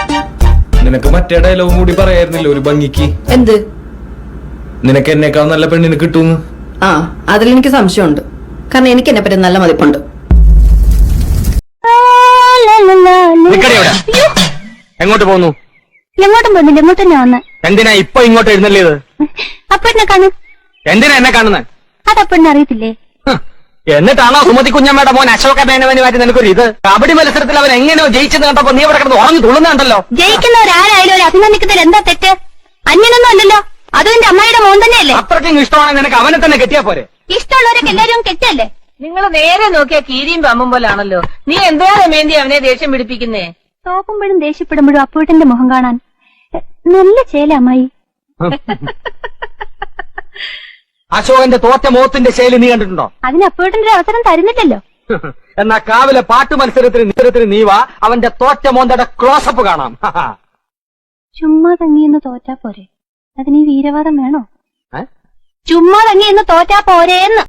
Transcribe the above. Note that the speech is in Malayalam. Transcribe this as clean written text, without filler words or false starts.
നിനക്ക് മറ്റേ ഡയലോഗും കൂടി പറയായിരുന്നില്ല ഒരു ഭംഗിക്ക്. എന്ത്? നിനക്ക് എന്നെക്കാൾ നല്ല പെണ്ണിന് കിട്ടുന്നു. ആ, അതിലെനിക്ക് സംശയമുണ്ട്. കാരണം എനിക്ക് എന്നെ പറ്റി നല്ല മതിപ്പുണ്ട്. എങ്ങോട്ട് പോകുന്നു? എങ്ങോട്ടും പോകുന്നില്ല, ഇങ്ങോട്ട് തന്നെ വന്ന്. എന്തിനാ ഇപ്പൊ ഇങ്ങോട്ട് എഴുന്നള്ളിയത്? അപ്പഴിനെ കാണും. എന്തിനാ എന്നെ കാണുന്നത്? അതപ്പഴിനെ അറിയത്തില്ലേ? എന്നിട്ടാണോ സുമതി കുഞ്ഞമ്മയുടെ മോൻ അശോക മേനവന് മാറ്റി നിനക്കൊരു ഇത്? കബഡി മത്സരത്തിൽ അവൻ എങ്ങനെയോ ജയിച്ചെന്ന് കണ്ടപ്പോ നീ ഇവിടെ കിടന്ന് ഉറങ്ങി തുള്ളുന്നുണ്ടല്ലോ. ജയിക്കുന്നവരാരായാലും ഒരു അഭിനന്ദിക്കുന്നതിൽ എന്താ തെറ്റ്? അന്യനൊന്നും അല്ലല്ലോ, അതും എന്റെ അമ്മയുടെ മോൻ തന്നെയല്ലേ. അത്രയ്ക്കും ഇഷ്ടമാണെങ്കിൽ നിനക്ക് അവനെ തന്നെ കെട്ടിയാ പോരെ? ഇഷ്ടമുള്ളവരൊക്കെ എല്ലാവരും കെട്ടല്ലേ? നിങ്ങൾ നേരെ നോക്കിയാ കീരിയും പമ്പും പോലാണല്ലോ. നീ എന്താ മേന്തി അവനെ ദേഷ്യം പിടിപ്പിക്കുന്നേ? തോക്കുമ്പോഴും ദേഷ്യപ്പെടുമ്പോഴും അപ്പൂട്ടന്റെ മുഖം കാണാൻ നല്ല ചേല അമ്മായി. അശോകന്റെ തോറ്റ മോത്തിന്റെ ശൈലി നീ കണ്ടിട്ടുണ്ടോ? അതിന് അപ്പൂട്ടന്റെ അവസരം തരുന്നില്ലല്ലോ. എന്നാ കാവിലെ പാട്ട് മത്സരത്തിന് നീ വാ, അവന്റെ തോറ്റ മോന്തയുടെ ക്ലോസപ്പ് കാണാം. ചുമ്മാ തങ്ങിയെന്ന് തോറ്റാ പോരെ, അതിന് ഈ വീരവാദം വേണോ? ചുമ്മാ തങ്ങിയെന്ന് തോറ്റാ പോരേന്ന്.